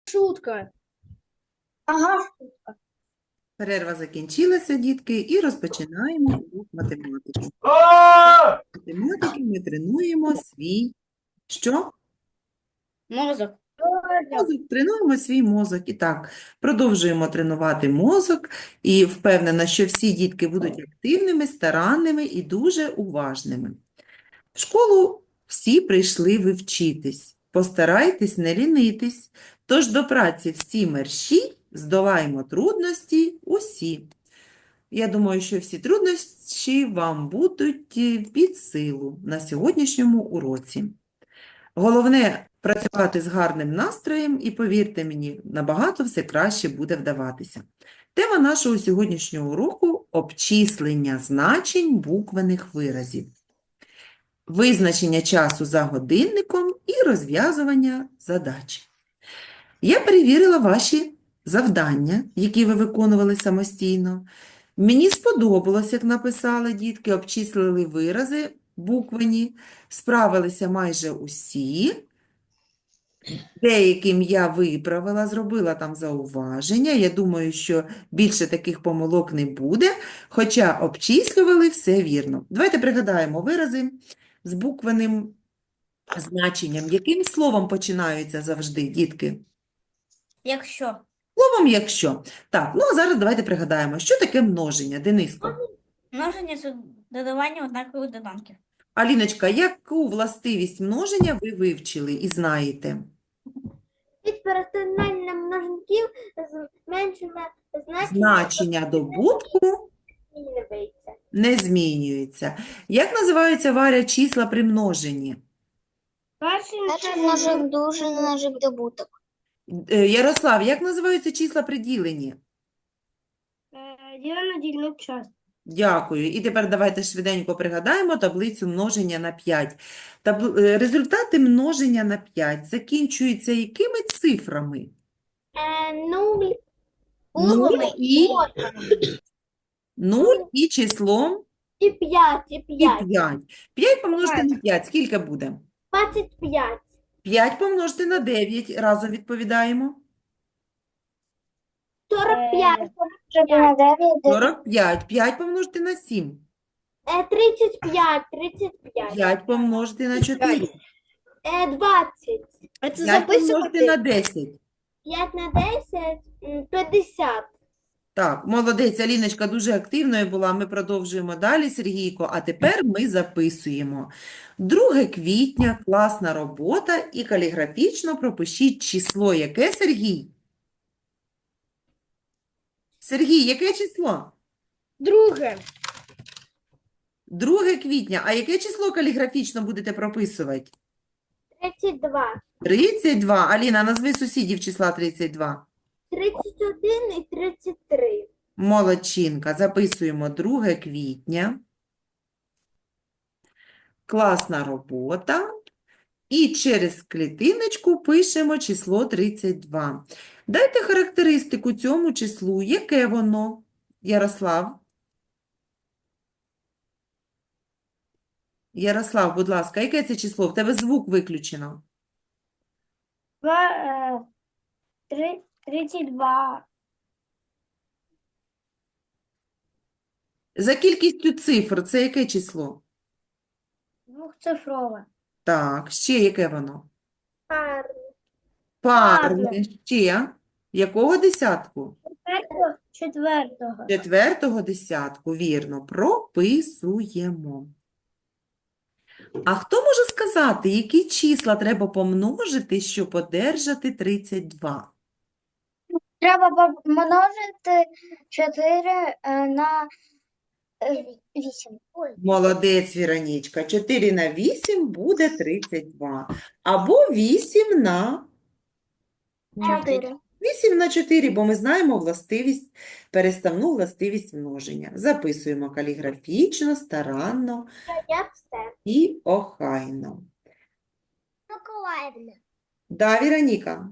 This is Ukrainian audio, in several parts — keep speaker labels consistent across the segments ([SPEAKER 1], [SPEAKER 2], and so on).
[SPEAKER 1] Шутка.
[SPEAKER 2] Ага.
[SPEAKER 3] Перерва закінчилася, дітки, і розпочинаємо урок математики. Математики ми тренуємо свій що?
[SPEAKER 1] Мозок.
[SPEAKER 3] Мозок. Тренуємо свій мозок. І так, продовжуємо тренувати мозок. І впевнена, що всі дітки будуть активними, старанними і дуже уважними. В школу всі прийшли ви вчитись. Постарайтесь не лінитись. Тож до праці всі мерщій, здолаємо трудності усі. Я думаю, що всі труднощі вам будуть під силу на сьогоднішньому уроці. Головне – працювати з гарним настроєм і, повірте мені, набагато все краще буде вдаватися. Тема нашого сьогоднішнього уроку – обчислення значень буквених виразів. Визначення часу за годинником і розв'язування задач. Я перевірила ваші завдання, які ви виконували самостійно. Мені сподобалось, як написали дітки, обчислили вирази буквені, справилися майже усі. Деяким я виправила, зробила там зауваження. Я думаю, що більше таких помилок не буде, хоча обчислювали все вірно. Давайте пригадаємо вирази з буквенним значенням. Яким словом починаються завжди, дітки?
[SPEAKER 1] Якщо.
[SPEAKER 3] Словом «якщо». Так, ну а зараз давайте пригадаємо, що таке множення, Дениско?
[SPEAKER 1] Множення це додавання однакових доданків.
[SPEAKER 3] Аліночка, яку властивість множення ви вивчили і знаєте?
[SPEAKER 2] Від перетинання множників зменшення
[SPEAKER 3] Значення добутку
[SPEAKER 2] змінюється.
[SPEAKER 3] не змінюється. Як називаються, Варя, числа при множенні?
[SPEAKER 2] Перший множик дуже множик добуток.
[SPEAKER 3] Ярослав, як називаються числа при діленні?
[SPEAKER 1] Ділено дільник час.
[SPEAKER 3] Дякую. І тепер давайте швиденько пригадаємо таблицю множення на 5. Результати множення на 5 закінчуються якими цифрами?
[SPEAKER 2] 0
[SPEAKER 3] 0 і числом
[SPEAKER 2] і 5, і 5.
[SPEAKER 3] 5. 5 помножити на 5. Скільки буде?
[SPEAKER 2] 25.
[SPEAKER 3] 5 помножити на 9. Разом відповідаємо.
[SPEAKER 2] 45.
[SPEAKER 3] 45. 5 помножити на 7.
[SPEAKER 2] 35. 35.
[SPEAKER 3] 5 помножити на 4.
[SPEAKER 2] 20.
[SPEAKER 3] 5 помножити на 10.
[SPEAKER 2] 5 на 10 – 50.
[SPEAKER 3] Так, молодець, Аліночка дуже активною була. Ми продовжуємо далі, Сергійко. А тепер ми записуємо. 2 квітня, класна робота і каліграфічно пропишіть число. Яке, Сергій? Сергій, яке число?
[SPEAKER 1] Друге.
[SPEAKER 3] 2 квітня. А яке число каліграфічно будете прописувати?
[SPEAKER 2] 32.
[SPEAKER 3] 32. Аліна, назви сусідів числа 32.
[SPEAKER 2] 31 і 33.
[SPEAKER 3] Молодчинка. Записуємо 2 квітня. Класна робота. І через клітиночку пишемо число 32. Дайте характеристику цьому числу. Яке воно, Ярослав? Ярослав, будь ласка, яке це число? В тебе звук виключено.
[SPEAKER 2] 32.
[SPEAKER 3] За кількістю цифр це яке число?
[SPEAKER 2] Двохцифрове.
[SPEAKER 3] Так, ще яке воно?
[SPEAKER 2] Парне.
[SPEAKER 3] Парне. Ще. Якого десятку?
[SPEAKER 2] Четвертого.
[SPEAKER 3] Четвертого десятку, вірно, прописуємо. А хто може сказати, які числа треба помножити, щоб одержати 32?
[SPEAKER 2] Треба помножити 4 на 8.
[SPEAKER 3] Молодець, Віронічка. 4 на 8 буде 32. Або 8 на
[SPEAKER 2] 4.
[SPEAKER 3] 8 на 4, бо ми знаємо властивість, переставну властивість множення. Записуємо каліграфічно, старанно
[SPEAKER 2] Я все.
[SPEAKER 3] і охайно.
[SPEAKER 2] Миколаївна,
[SPEAKER 3] Да, Віроніка?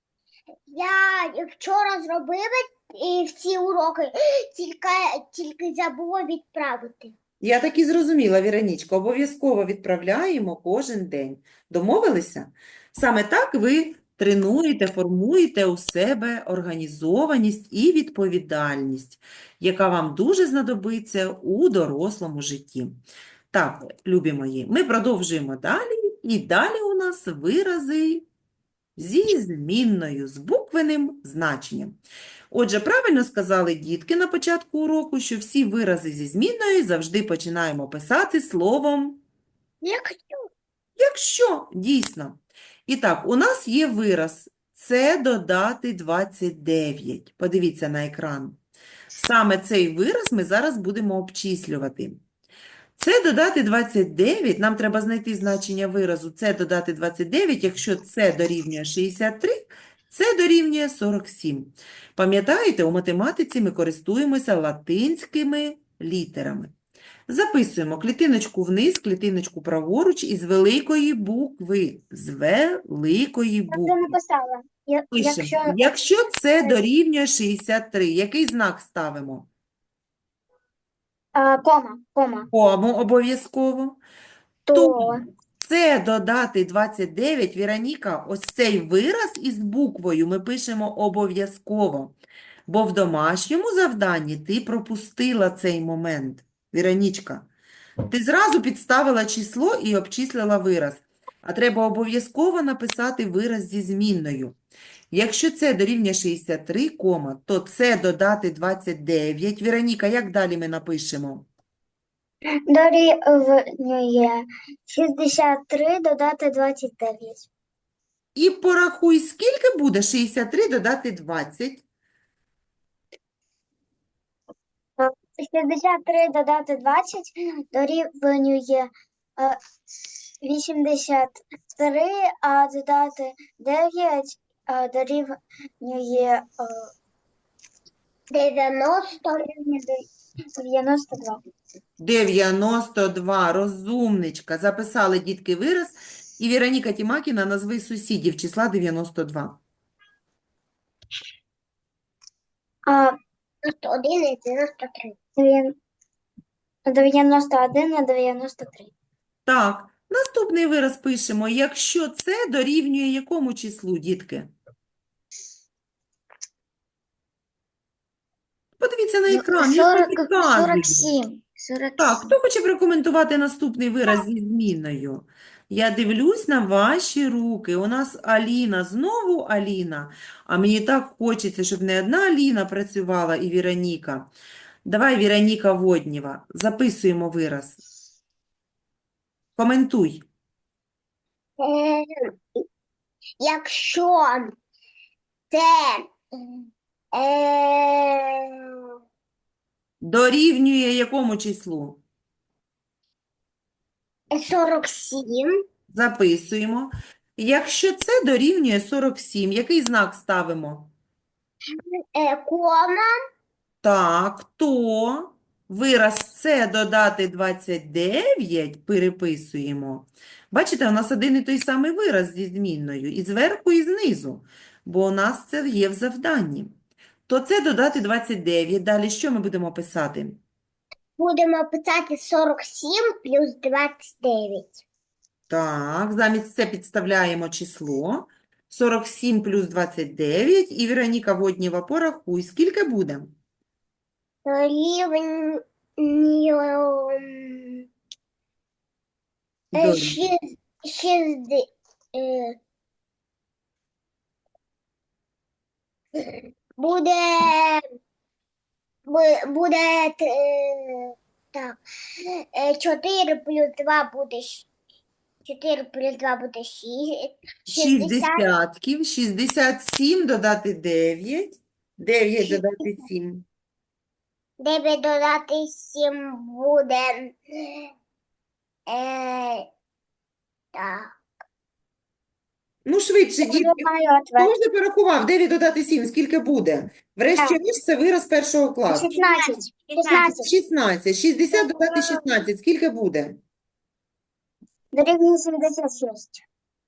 [SPEAKER 2] я вчора зробила і всі уроки, тільки забула відправити.
[SPEAKER 3] Я так і зрозуміла, Віронічка, обов'язково відправляємо кожен день. Домовилися? Саме так ви тренуєте, формуєте у себе організованість і відповідальність, яка вам дуже знадобиться у дорослому житті. Так, любі мої, ми продовжуємо далі. І далі у нас вирази зі змінною, з буквенним значенням. Отже, правильно сказали дітки на початку уроку, що всі вирази зі змінною завжди починаємо писати словом «якщо», дійсно. І так, у нас є вираз «це додати 29». Подивіться на екран. Саме цей вираз ми зараз будемо обчислювати. Це додати 29, нам треба знайти значення виразу це додати 29, якщо це дорівнює 63, це дорівнює 47. Пам'ятаєте, у математиці ми користуємося латинськими літерами. Записуємо клітиночку вниз, клітиночку праворуч із великої букви. З великої
[SPEAKER 2] Я вже
[SPEAKER 3] букви.
[SPEAKER 2] написала.
[SPEAKER 3] Пишемо. Якщо це дорівнює 63, який знак ставимо?
[SPEAKER 2] Кома.
[SPEAKER 3] Кому обов'язково.
[SPEAKER 2] То
[SPEAKER 3] Це додати 29, Віроніка, ось цей вираз із буквою ми пишемо обов'язково, бо в домашньому завданні ти пропустила цей момент. Віронічка, ти зразу підставила число і обчислила вираз, а треба обов'язково написати вираз зі змінною. Якщо це дорівнює 63, то це додати 29. Віроніка, як далі ми напишемо?
[SPEAKER 2] дорівнює 63 додати 29.
[SPEAKER 3] І порахуй, скільки буде 63 додати 20?
[SPEAKER 2] 63 додати 20 дорівнює 83, а додати 9 дорівнює 92.
[SPEAKER 3] 92. Розумничка. Записали дітки вираз. І Віроніка Тімакіна, назви сусідів числа 92.
[SPEAKER 2] 91 і 93. 91 на 93.
[SPEAKER 3] Так, наступний вираз пишемо. Якщо це дорівнює якому числу, дітки? Подивіться на екран, я ж підказую.
[SPEAKER 2] 47.
[SPEAKER 3] Так, хто хоче прокоментувати наступний вираз зі змінною? Я дивлюсь на ваші руки. У нас Аліна, знову Аліна. А мені так хочеться, щоб не одна Аліна працювала і Віроніка. Давай, Віроніка Воднєва, записуємо вираз. Коментуй.
[SPEAKER 2] Якщо це
[SPEAKER 3] Дорівнює якому числу?
[SPEAKER 2] 47,
[SPEAKER 3] Записуємо. Якщо це дорівнює 47, який знак ставимо?
[SPEAKER 2] кома,
[SPEAKER 3] Так, то вираз це додати 29 переписуємо. Бачите, у нас один і той самий вираз зі змінною. І зверху, і знизу. Бо у нас це є в завданні. То це додати 29. Далі що ми будемо писати?
[SPEAKER 2] будемо писати 47 плюс 29.
[SPEAKER 3] Так, замість це підставляємо число. 47 плюс 29. І Віроніка Воднєва, порахуй, скільки буде?
[SPEAKER 2] Дорівнює
[SPEAKER 3] Дорівнює.
[SPEAKER 2] 60. Буде так. 4 плюс 2 буде 4 плюс 2 буде 6. 60.
[SPEAKER 3] 60, 67 додати 9, 9 додати 7.
[SPEAKER 2] 9 додати 7 буде. Так.
[SPEAKER 3] Ну, швидше, дітки.
[SPEAKER 2] Знаю
[SPEAKER 3] Хто вже порахував? 9 додати 7, скільки буде? Врешті-решт, це вираз першого класу.
[SPEAKER 2] 16.
[SPEAKER 3] 16. 60 додати 16, скільки буде?
[SPEAKER 2] Дорівнює 76.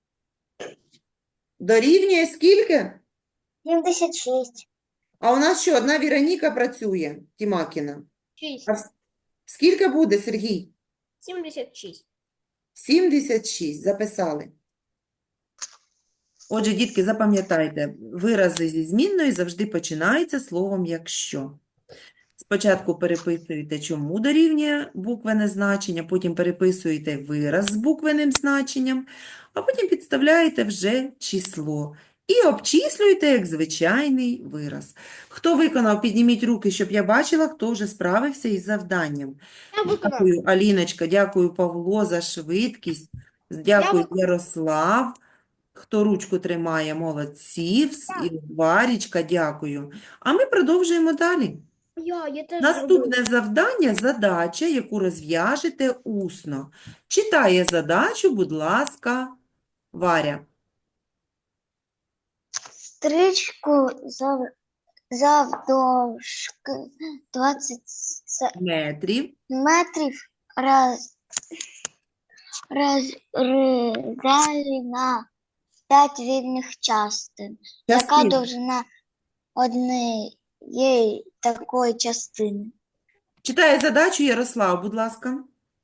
[SPEAKER 3] Дорівнює скільки?
[SPEAKER 2] 76.
[SPEAKER 3] А у нас що, одна Віроніка працює, Тімакіна.
[SPEAKER 1] 6.
[SPEAKER 3] Скільки буде, Сергій?
[SPEAKER 1] 76.
[SPEAKER 3] 76, записали. Отже, дітки, запам'ятайте, вирази зі змінною завжди починаються словом «якщо». Спочатку переписуєте, чому дорівнює буквене значення, потім переписуєте вираз з буквенним значенням, а потім підставляєте вже число і обчислюєте як звичайний вираз. Хто виконав, підніміть руки, щоб я бачила, хто вже справився із завданням. Дякую, Аліночка, дякую, Павло, за швидкість. Дякую, Ярослав. Хто ручку тримає, молодці. І Варічка, дякую. А ми продовжуємо далі.
[SPEAKER 2] Я теж
[SPEAKER 3] Наступне завдання – задача, яку розв'яжете усно. Читає задачу, будь ласка, Варя.
[SPEAKER 2] Стрічку завдовжки 20
[SPEAKER 3] Метрів.
[SPEAKER 2] метрів розрізали на 5 рівних частин. Яка
[SPEAKER 3] Частин.
[SPEAKER 2] довжина однієї такої частини?
[SPEAKER 3] Читає задачу Ярослав, будь ласка.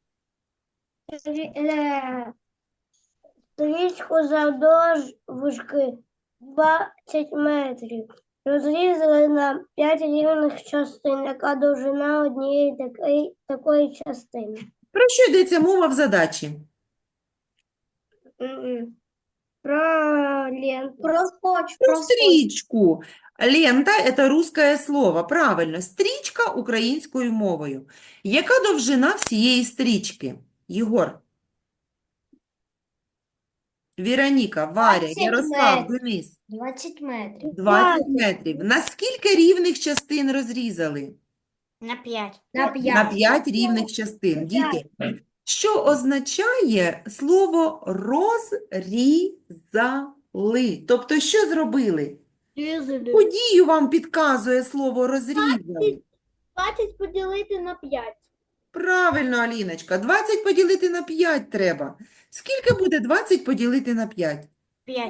[SPEAKER 2] Стрічку завдовжки 20 метрів. Розрізали на 5 рівних частин. Яка довжина однієї такої частини?
[SPEAKER 3] Про що йдеться мова в задачі?
[SPEAKER 2] Про ленту. Про скотч.
[SPEAKER 3] Про стрічку. Лента – це русское слово. Правильно. Стрічка українською мовою. Яка довжина всієї стрічки? Єгор. Віроніка, Варя,
[SPEAKER 2] 20
[SPEAKER 3] Ярослав,
[SPEAKER 2] метрів.
[SPEAKER 3] Денис.
[SPEAKER 2] 20 метрів.
[SPEAKER 3] 20 метрів. На скільки рівних частин розрізали?
[SPEAKER 1] На 5.
[SPEAKER 3] На 5 рівних частин. Діти, що означає слово розрізали? Тобто, що зробили? Подію вам підказує слово розрізали.
[SPEAKER 2] 20 поділити на 5.
[SPEAKER 3] Правильно, Аліночка. 20 поділити на 5 треба. Скільки буде 20 поділити на 5?
[SPEAKER 1] 5.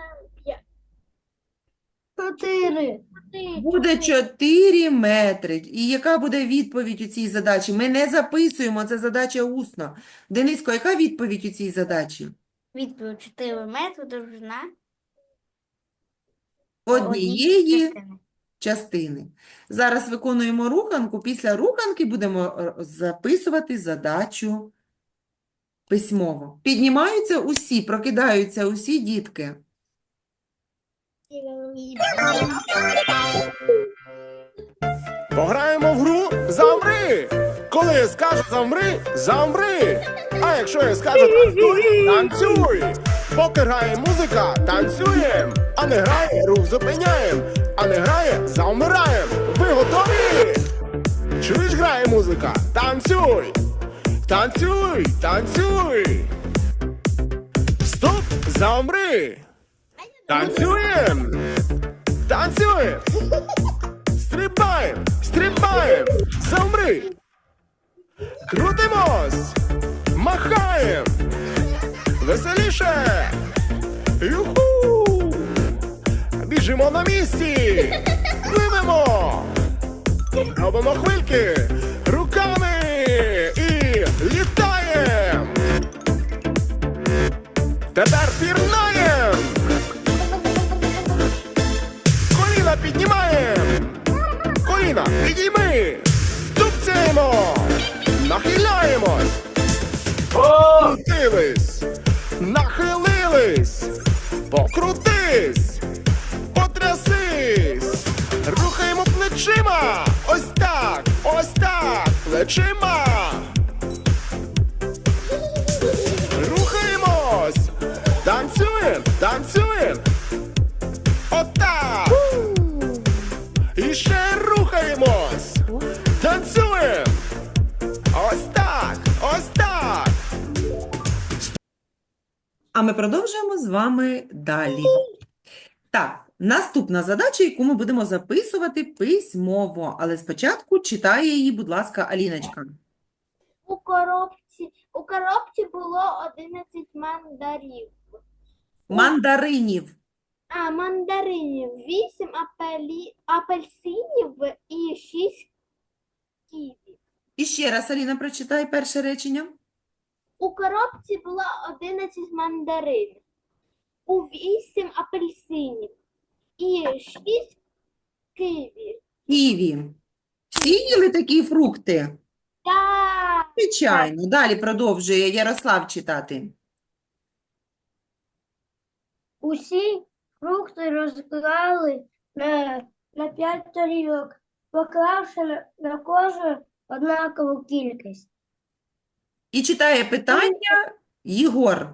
[SPEAKER 2] 4.
[SPEAKER 3] Буде 4 метри. І яка буде відповідь у цій задачі? Ми не записуємо, це задача усно. Дениско, яка відповідь у цій задачі?
[SPEAKER 1] Відповідь 4 метри довжина
[SPEAKER 3] Однієї
[SPEAKER 1] частини.
[SPEAKER 3] частини. Зараз виконуємо руханку. Після руханки будемо записувати задачу письмово. Піднімаються усі, прокидаються усі дітки.
[SPEAKER 4] Пограємо в гру «Замри». Коли я скажу «замри», замри. А якщо я скажу «танцюй», танцюй. Поки грає музика, танцюєм. А не грає, рух зупиняєм. А не грає, завмираєм. Ви готові? Чуєш, грає музика? Танцюй. Танцюй, танцюй. Стоп, замри. Танцюєм. Танцюєм. Стрибаєм, стрибаєм, замри. Крутимось, махаєм. Веселіше. Юху. Біжимо на місці. Пливемо. Робимо хвильки руками і літаєм. Тепер пірнаєм. Коліна піднімаєм. Коліна, підійми, тупцяємо, нахиляємось, покрутились, нахилились, покрутись, потрясись, рухаємо плечима, ось так, плечима. Рухаємось, танцюєм, танцюєм, отак. І ще рухаємось, танцюємо, ось так, ось так.
[SPEAKER 3] А ми продовжуємо з вами далі. Так, наступна задача, яку ми будемо записувати письмово. Але спочатку читає її, будь ласка, Аліночка.
[SPEAKER 2] У коробці було 11 мандарів.
[SPEAKER 3] Мандаринів.
[SPEAKER 2] Мандаринів, 8 апельсинів і 6 ківі.
[SPEAKER 3] І ще раз, Аліна, прочитай перше речення.
[SPEAKER 2] У коробці було 11 мандарин.
[SPEAKER 5] у 8 апельсинів і 6 киві.
[SPEAKER 3] Ківі. Всі їли такі фрукти?
[SPEAKER 5] Так.
[SPEAKER 3] Звичайно. Далі продовжує Ярослав читати.
[SPEAKER 5] Усі фрукти розклали на 5 тарілок, поклавши на кожну однакову кількість.
[SPEAKER 3] І читає питання Єгор.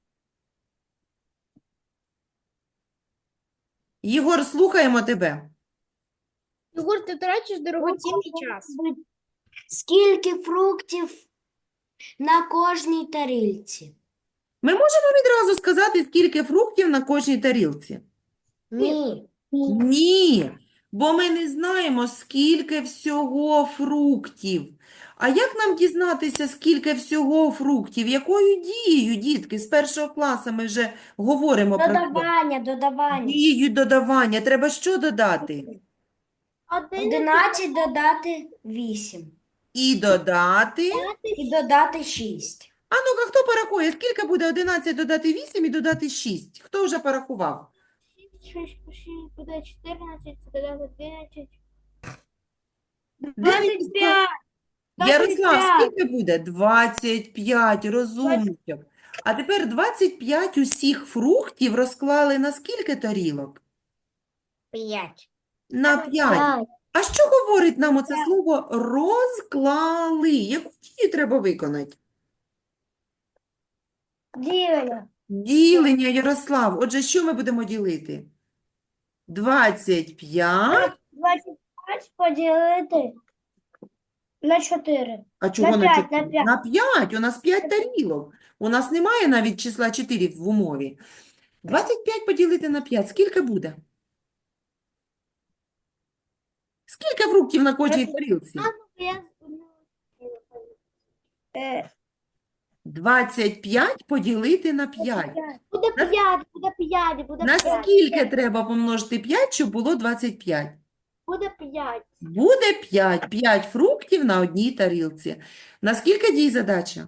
[SPEAKER 3] Єгор, слухаємо тебе.
[SPEAKER 5] Єгор, ти втрачиш дорогоцінний час.
[SPEAKER 2] Скільки фруктів на кожній тарілці?
[SPEAKER 3] Ми можемо відразу сказати, скільки фруктів на кожній тарілці?
[SPEAKER 2] Ні.
[SPEAKER 3] Ні, бо ми не знаємо, скільки всього фруктів. А як нам дізнатися, скільки всього фруктів? Якою дією, дітки? З першого класу ми вже говоримо про це.
[SPEAKER 2] Додавання.
[SPEAKER 3] Дією додавання. Треба що додати?
[SPEAKER 2] 11 додати 8.
[SPEAKER 3] І додати.
[SPEAKER 2] І додати 6.
[SPEAKER 3] А ну-ка, хто порахує, скільки буде 11 додати 8 і додати 6? Хто вже порахував?
[SPEAKER 5] 6 буде 14, додати 11.
[SPEAKER 3] 25. Ярослав, скільки буде? 25, розумничок. А тепер 25 усіх фруктів розклали на скільки тарілок?
[SPEAKER 2] 5.
[SPEAKER 3] На 5. А що говорить нам оце слово розклали? Яку дію треба виконати?
[SPEAKER 5] Ділення.
[SPEAKER 3] Ділення, Ярослав. Отже, що ми будемо ділити? 25.
[SPEAKER 5] 25 поділити на 4.
[SPEAKER 3] А чого
[SPEAKER 5] На
[SPEAKER 3] на
[SPEAKER 5] 5,
[SPEAKER 3] 4?
[SPEAKER 5] на 5.
[SPEAKER 3] На 5. У нас 5 тарілок. У нас немає навіть числа 4 в умові. 25 поділити на 5. Скільки буде? Скільки фруктів на кожній тарілці? 25 поділити на 5.
[SPEAKER 5] Буде 5, буде 5, буде
[SPEAKER 3] На
[SPEAKER 5] 5.
[SPEAKER 3] скільки треба помножити 5, щоб було 25?
[SPEAKER 5] Буде 5.
[SPEAKER 3] Буде 5. 5 фруктів на одній тарілці. На скільки дій задача?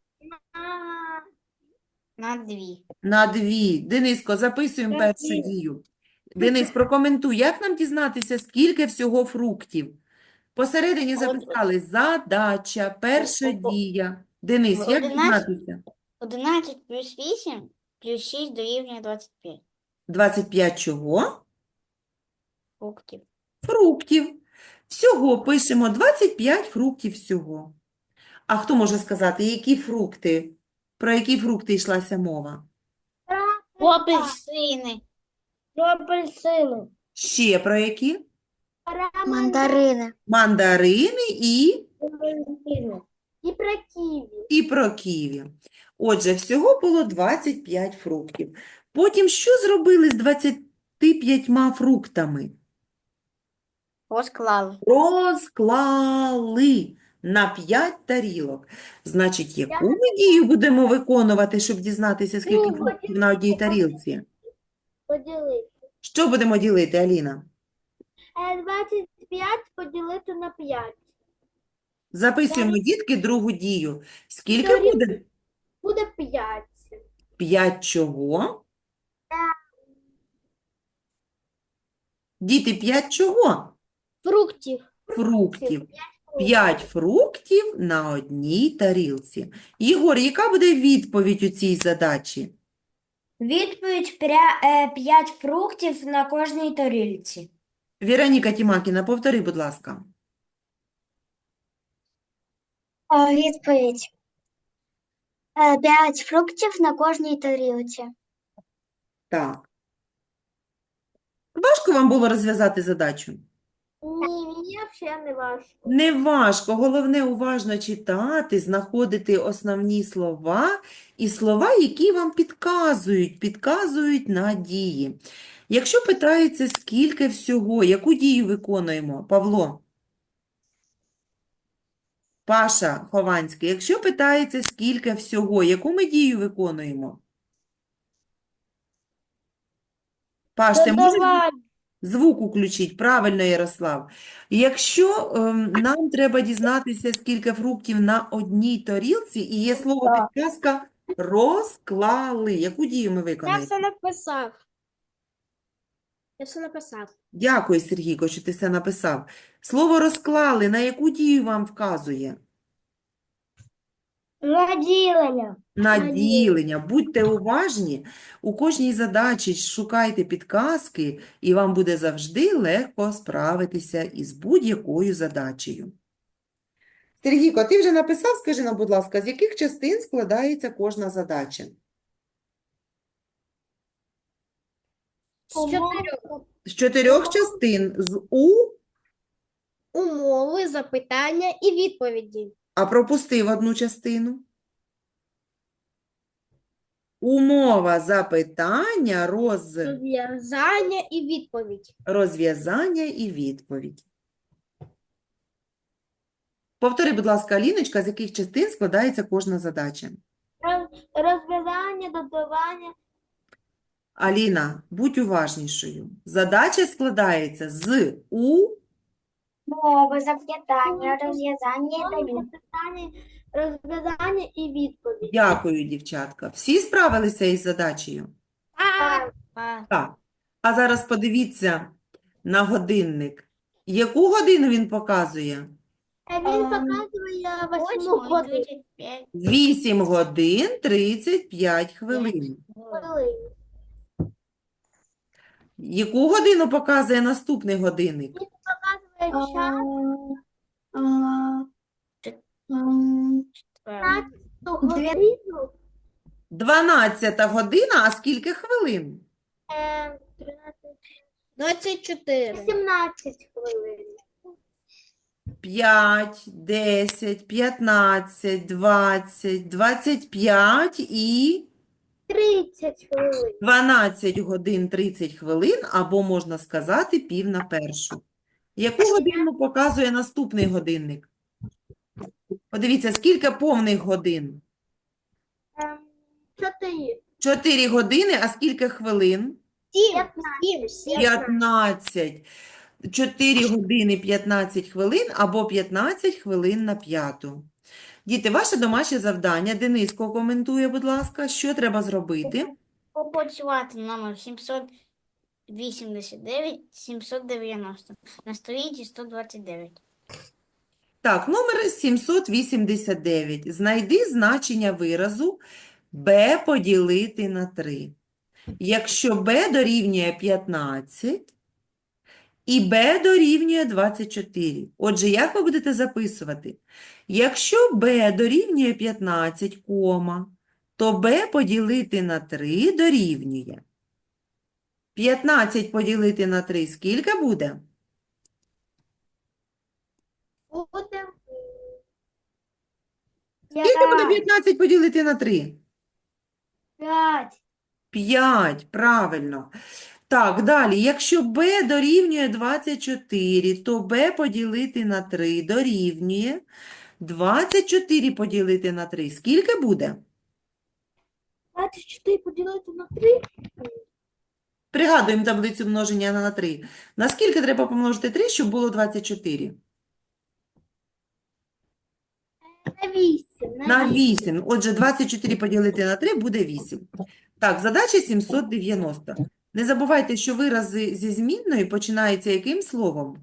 [SPEAKER 2] На 2.
[SPEAKER 3] На 2. Дениско, записуємо
[SPEAKER 5] На
[SPEAKER 3] першу
[SPEAKER 5] 2.
[SPEAKER 3] дію. Денис, прокоментуй, як нам дізнатися, скільки всього фруктів? Посередині записали задача, перша дія. Денис, як
[SPEAKER 2] 11.
[SPEAKER 3] дізнатися?
[SPEAKER 2] 11 плюс 8 плюс 6 дорівнює 25
[SPEAKER 3] 25 чого?
[SPEAKER 2] фруктів.
[SPEAKER 3] Фруктів. Всього пишемо 25 фруктів всього. А хто може сказати, які фрукти? Про які фрукти йшлася мова?
[SPEAKER 2] Апельсини.
[SPEAKER 5] Апельсини.
[SPEAKER 3] Ще про які?
[SPEAKER 2] Мандарини.
[SPEAKER 3] Мандарини і
[SPEAKER 5] І про ківі.
[SPEAKER 3] І про ківі. Отже, всього було 25 фруктів. Потім що зробили з 25 фруктами?
[SPEAKER 2] Розклали.
[SPEAKER 3] Розклали на 5 тарілок. Значить, яку ми дію будемо виконувати, щоб дізнатися, скільки фруктів на одній тарілці?
[SPEAKER 5] Поділити.
[SPEAKER 3] Що будемо ділити, Аліна?
[SPEAKER 5] 25 поділити на 5.
[SPEAKER 3] Записуємо, дітки, другу дію. Скільки
[SPEAKER 5] Дорівнює.
[SPEAKER 3] буде?
[SPEAKER 5] Буде 5.
[SPEAKER 3] 5 чого? Діти, 5 чого?
[SPEAKER 5] Фруктів.
[SPEAKER 3] Фруктів. 5 фруктів на одній тарілці. Єгор, яка буде відповідь у цій задачі?
[SPEAKER 2] Відповідь 5 фруктів на кожній тарілці.
[SPEAKER 3] Віроніка Тімакіна, повтори, будь ласка.
[SPEAKER 2] Відповідь. 5 фруктів на кожній тарілці.
[SPEAKER 3] Так. Важко вам було розв'язати задачу?
[SPEAKER 5] Ні, мені взагалі не важко.
[SPEAKER 3] Не важко, головне уважно читати, знаходити основні слова і слова, які вам підказують на дії. Якщо питається, скільки всього, яку дію виконуємо? Павло? Паша Хованський, якщо питається, скільки всього, яку ми дію виконуємо? Паш, ти можеш звук включити? Правильно, Ярослав. Якщо нам треба дізнатися, скільки фруктів на одній тарілці, і є слово підказка Розклали. Яку дію ми
[SPEAKER 5] Я
[SPEAKER 3] виконаємо?
[SPEAKER 5] все написав. Я все написав.
[SPEAKER 3] Дякую, Сергійко, що ти це написав. Слово розклали на яку дію вам вказує?
[SPEAKER 2] Наділення.
[SPEAKER 3] На ділення. Будьте уважні, у кожній задачі шукайте підказки, і вам буде завжди легко справитися із будь-якою задачею. Сергійко, ти вже написав, скажи нам, будь ласка, з яких частин складається кожна задача?
[SPEAKER 5] З 4
[SPEAKER 3] З 4 частин. З
[SPEAKER 5] умови, запитання і відповіді.
[SPEAKER 3] а пропустив одну частину. Умова запитання,
[SPEAKER 5] Розв'язання і відповідь.
[SPEAKER 3] розв'язання і відповідь. Повтори, будь ласка, Аліночка, з яких частин складається кожна задача.
[SPEAKER 2] Розв'язання, додавання.
[SPEAKER 3] Аліна, будь уважнішою. Задача складається з
[SPEAKER 2] Мови, запитання, розв'язання та відповідь.
[SPEAKER 5] Розв'язання і відповідь.
[SPEAKER 3] Дякую, дівчатка. Всі справилися із задачею? Так. А зараз подивіться на годинник. Яку годину він показує?
[SPEAKER 5] Він показує 8 годин.
[SPEAKER 3] 8 годин 35 хвилин. Яку годину показує наступний годинник?
[SPEAKER 5] Показує час годину.
[SPEAKER 3] 12 година, а скільки хвилин?
[SPEAKER 5] 24. 17 хвилин.
[SPEAKER 3] 5, 10, 15, 20, 25 і
[SPEAKER 5] 30 хвилин.
[SPEAKER 3] 12 годин 30 хвилин, або можна сказати пів на першу. Яку годину показує наступний годинник? Подивіться, скільки повних годин?
[SPEAKER 5] 4.
[SPEAKER 3] 4 години, а скільки хвилин?
[SPEAKER 5] 7.
[SPEAKER 3] 15. 4 години 15 хвилин або 15 хвилин на п'яту. Діти, ваше домашнє завдання. Дениско коментує, будь ласка, що треба зробити?
[SPEAKER 1] Попрацювати номер 789 на сторінці 129.
[SPEAKER 3] Так, номер 789. Знайди значення виразу b поділити на 3. Якщо b дорівнює 15 і b дорівнює 24. Отже, як ви будете записувати? Якщо b дорівнює 15, то b поділити на 3 дорівнює. 15 поділити на 3 скільки буде?
[SPEAKER 5] Буде
[SPEAKER 3] Скільки буде 15 поділити на 3?
[SPEAKER 2] 5.
[SPEAKER 3] 5, правильно. Так, далі. Якщо b дорівнює 24, то b поділити на 3 дорівнює 24 поділити на 3. Скільки буде?
[SPEAKER 5] 24 поділити на 3.
[SPEAKER 3] Пригадуємо таблицю множення на 3. На скільки треба помножити 3, щоб було 24?
[SPEAKER 5] На 8.
[SPEAKER 3] На 8. Отже, 24 поділити на 3 буде 8. Так, задача 790. Не забувайте, що вирази зі змінною починаються яким словом?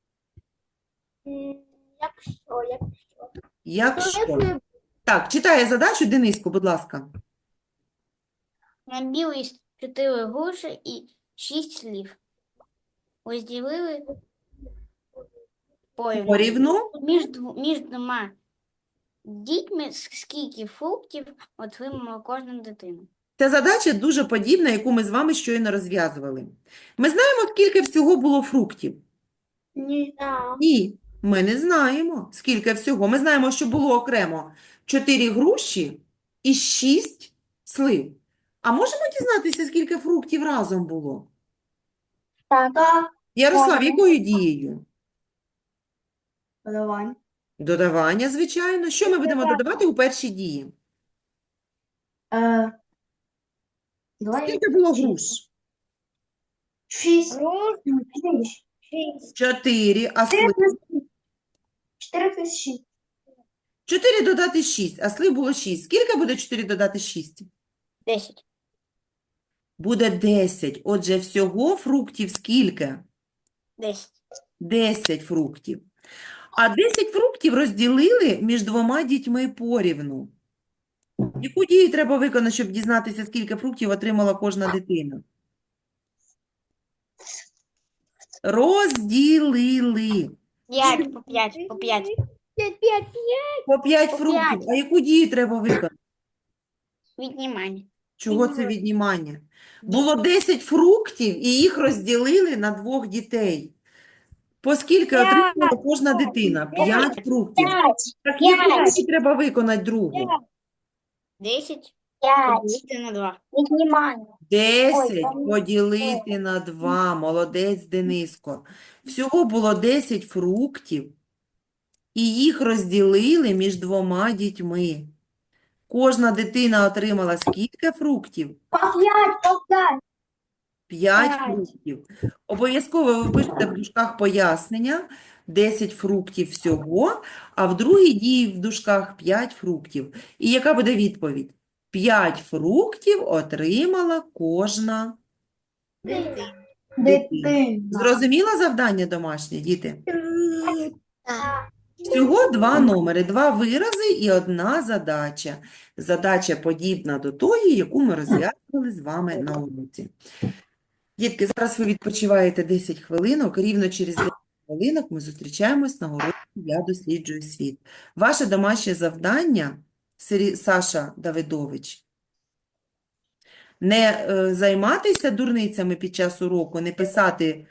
[SPEAKER 3] Якщо. Так, читає задачу Дениску, будь ласка.
[SPEAKER 1] На білий 4 груші і 6 слів. Розділили порівну.
[SPEAKER 3] Порівну.
[SPEAKER 1] Між двома дітьми скільки фруктів отримала кожна дитина.
[SPEAKER 3] Ця задача дуже подібна, яку ми з вами щойно розв'язували. Ми знаємо, скільки всього було фруктів? Ні, ми не знаємо, скільки всього. Ми знаємо, що було окремо 4 груші і 6 слив. А можемо дізнатися, скільки фруктів разом було?
[SPEAKER 2] Так.
[SPEAKER 3] Ярослав, якою дією?
[SPEAKER 2] Додавання.
[SPEAKER 3] Додавання, звичайно. Що ми будемо додавати у першій дії? Скільки було груш?
[SPEAKER 2] 6.
[SPEAKER 3] 4, а слив?
[SPEAKER 2] 4 плюс 6.
[SPEAKER 3] 4 додати 6, а слив було 6. Скільки буде 4 додати 6?
[SPEAKER 1] 10.
[SPEAKER 3] Буде 10. Отже, всього фруктів скільки?
[SPEAKER 1] 10.
[SPEAKER 3] 10 фруктів. А 10 фруктів розділили між двома дітьми порівну. Яку дію треба виконати, щоб дізнатися, скільки фруктів отримала кожна дитина? Розділили
[SPEAKER 1] 5 по 5, по 5.
[SPEAKER 5] 5, 5,
[SPEAKER 3] по 5
[SPEAKER 1] По
[SPEAKER 3] фруктів.
[SPEAKER 1] 5.
[SPEAKER 3] А яку дію треба виконати?
[SPEAKER 1] Віднімання.
[SPEAKER 3] Чого це віднімання? Було 10 фруктів, і їх розділили на двох дітей. По скільки отримала кожна дитина? 5 фруктів. Так яку дію треба виконати другу?
[SPEAKER 1] 10
[SPEAKER 2] 5.
[SPEAKER 1] поділити на 2.
[SPEAKER 2] Віднімання.
[SPEAKER 3] 10 поділити на 2. Молодець, Дениско. Всього було 10 фруктів, і їх розділили між двома дітьми. Кожна дитина отримала скільки фруктів?
[SPEAKER 2] По 5, по 5.
[SPEAKER 3] 5
[SPEAKER 2] П'ять.
[SPEAKER 3] фруктів. Обов'язково ви пишете в дужках пояснення. 10 фруктів всього, а в другій дії в дужках 5 фруктів. І яка буде відповідь? 5 фруктів отримала кожна дитина. Зрозуміло завдання домашнє, діти? Всього 2 номери, 2 вирази і 1 задача. Задача подібна до тої, яку ми розв'язували з вами на уроці. Дітки, зараз ви відпочиваєте 10 хвилинок, рівно через 10 хвилинок ми зустрічаємось на уроці «Я досліджую світ». Ваше домашнє завдання, Саша Давидович, не займатися дурницями під час уроку, не писати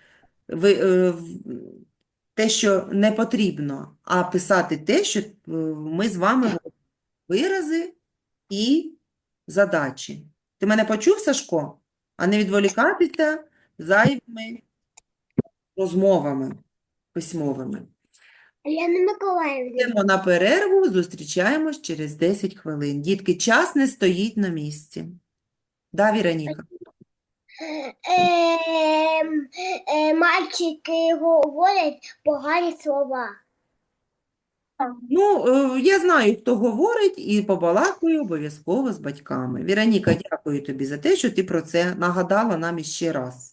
[SPEAKER 3] те, що не потрібно, а писати те, що ми з вами робимо. Вирази і задачі. Ти мене почув, Сашко? А не відволікатися зайвими розмовами письмовими.
[SPEAKER 5] Лена Миколаївна.
[SPEAKER 3] Йдемо на перерву, зустрічаємось через 10 хвилин. Дітки, час не стоїть на місці. Да, Віроніка?
[SPEAKER 5] Мальчики говорять погані слова.
[SPEAKER 3] Ну, я знаю, хто говорить, і побалакаю обов'язково з батьками. Віроніка, дякую тобі за те, що ти про це нагадала нам іще раз.